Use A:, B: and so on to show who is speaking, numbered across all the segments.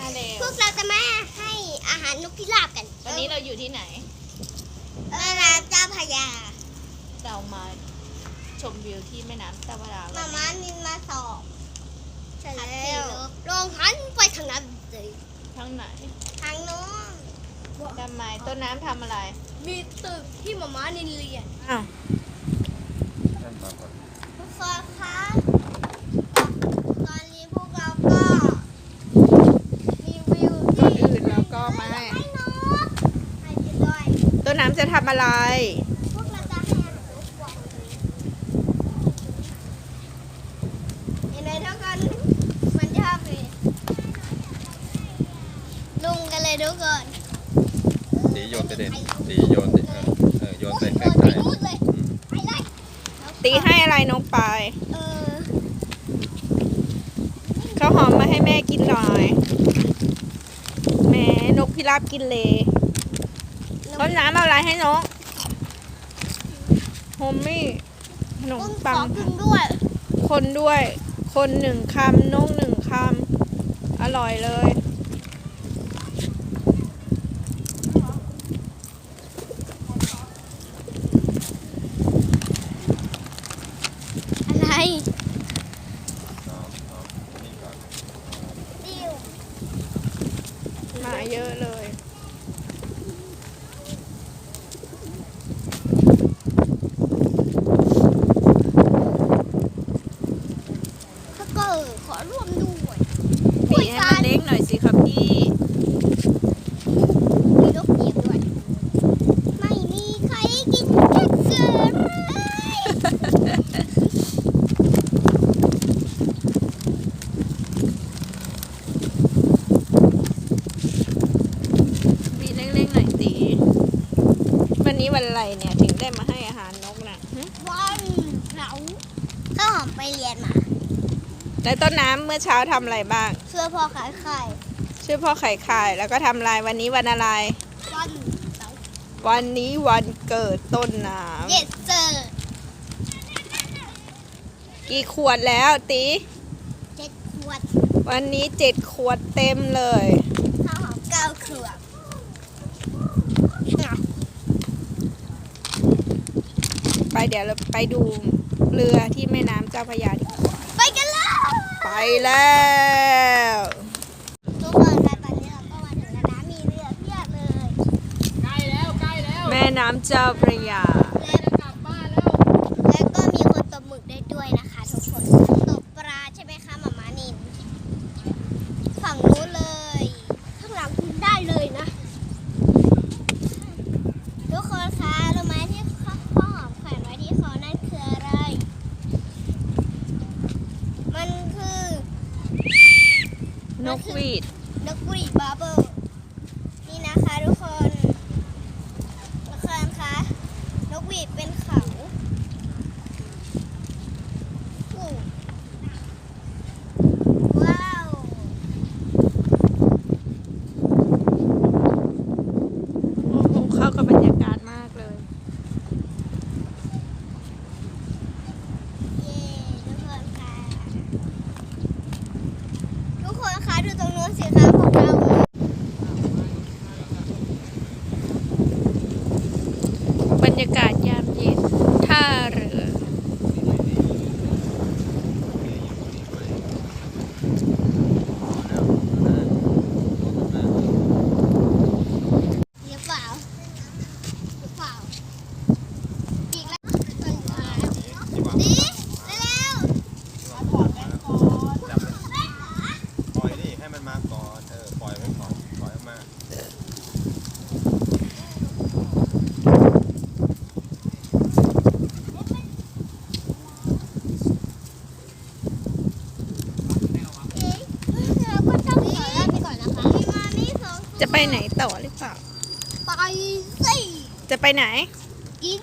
A: พวกเราจะมาให้อาหารนกพิราบกัน
B: วันนี้เราอยู่ที่ไหน
A: แม่น้ำเจ้าพระยา
B: เรามาชมวิวที่แม่น้ำเจ้าพระยา
A: มาม่านินมาสอบใช่แล้วลองหันไปทางนั้นเลย
B: ทางไหน
A: ทางโน้น
B: ทำไมต้นน้ำทำอะไร
A: มีตึกที่มาม่านินเรียน
B: อ้าว
A: ทุกคนคะตอนนี้พวกเราก็มีวิว
B: ก่อน
A: ที่
B: อื่นเราก็มาให้
A: ให้นกให้กินด้วย
B: ต้นน้ำจะทำอะไร
A: พวกเราจะให้อาหารนกก่อนเห็นไหมทุกคนมันชอบเลยลุงกันเลยทุกคน
C: ตีโยนไปเด็ดตีโยนโยนไปใกล้
A: ไปนู่นเลยไปเลย
B: ตีให้อะไรนกไป
A: เออ
B: ข้าวหอมมาให้แม่กินหน่อยแหมนกพิราบกินเลยต้นน้ำเอาอะไรให้นกโฮมมี่ขนม
A: กุ้งข
B: ปั
A: อง กินด้วย
B: คนด้วย คนหนึ่งคำนกหนึ่งคำอร่อยเลย
A: อะไร
C: ๆ
A: ติ้ว
B: มาเยอะเลย
A: ถ้าเกิดขอร่วมด้วย
B: ปีให้มันเล็กหน่อยสิครับพี่
A: มีนกเหยียบด้วย ไม่มีใครกินแค่เกินเลย
B: ปีเล็กๆหน่อยตีวันนี้วันอะไรเนี่ยถึงได้มาให้อาหารนกน่ะหึ
A: วันเสาร์ข้าวหอมไปเรียนมา
B: แล้วต้นน้ำเมื่อเช้าทำอะไรบ้าง
A: เชื่อพ่อขายไข่
B: ช่วยพ่อไข่ไข่แล้วก็ทำอะไรวันนี้วันอะไร
A: วันเสาร์
B: วันนี้วันเกิดต้นน้
A: เย็ดเจอ
B: ำกี่ขวดแล้วตี
A: 7 ขวด
B: วันนี้7 ขวดเต็มเลย
A: ข้าวหอม9 ขวด
B: ไปเดี๋ยวเราไปดูเรือที่แม่น้ำเจ้าพระยาดีกว่า
A: ไปกันเลย
B: ไปแล้ว
A: ทุกคนคะตอนนี้เราก็มาถึงแล้วนะมีเรือเพียบเลย
B: แม่น้ำเจ้าพระยา
A: แล้วก็มีคนตกหมึกได้ด้วยนะคะทุกคนตกปลาใช่ไหมคะหมาม่านินฝั่งนู้นเลยข้างหลังกินได้เลยนะทุกคนคะรู้ไหมที่พ่อหอมแขวนไว้ที่คอนั่นคืออะไร มันคือน
B: กหวีด
A: นกหวีดบาร์เบิลนี่นะคะทุกคนคะนกหวีดเป็นเขาโอ้ว้าว
B: โอ้โหเข้ากับบรรยากาศมากเลย
A: เย้ทุกคนคะดูตรงนู้นสิคะของเรา
B: บรรยากาศยามเย็นท่าเรือ
A: หรือเปล่าหรือเปล่าอีกแล้วดีเร็ว
C: ปล่อยดิให้มันมาก่อนปล่อยไว้ก่อนปล่อยมา
A: เราก็ต้องขอลาไปก่อนนะคะมานี่สอง
B: จะไปไหนต่อหรือเปล่า
A: ไปสิ
B: จะไปไหน
A: กิน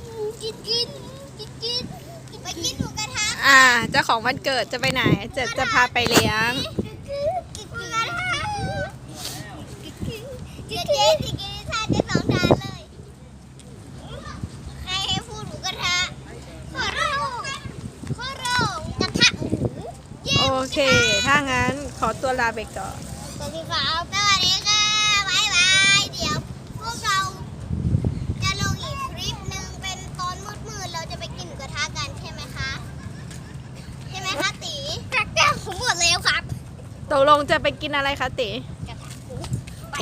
A: ไปกินหมูกระทะ
B: เจ้าของวันเกิดจะไปไหน จะพาไปเลี้ยง
A: กินหมูกระทะกินทานได้2 ทานเลยใครให้พูดหมูกระทะขอร้องกระทะหมูเย้
B: โอเค ถ้างั้นขอตัวลาไปก่อน
A: เสวัสดีครับสวัสดีค่ะบ๊ายบายเดี๋ยวพวกเราจะลงอีกคลิปหนึ่งเป็นตอนมืดๆเราจะไปกินหมูกระทะกันใช่ไหมคะใช่ไหมคะตีกระเจ้าผมหมดแล้วครับ
B: ตกลงจะไปกินอะไรคะติ
A: กระทะหมูไป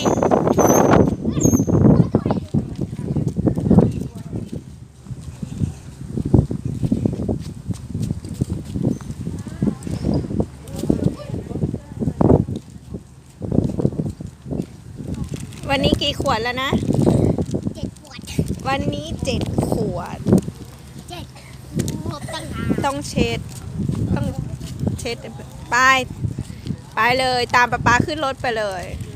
B: วันนี้กี่ขวดแล้วนะ
A: 7 ขวด
B: วันนี้7 ขวด
A: 7ครบตั้งนาน
B: ต้องเช็ด ต้องเช็ดไปเลยตามป๊าป๊าขึ้นรถไปเลย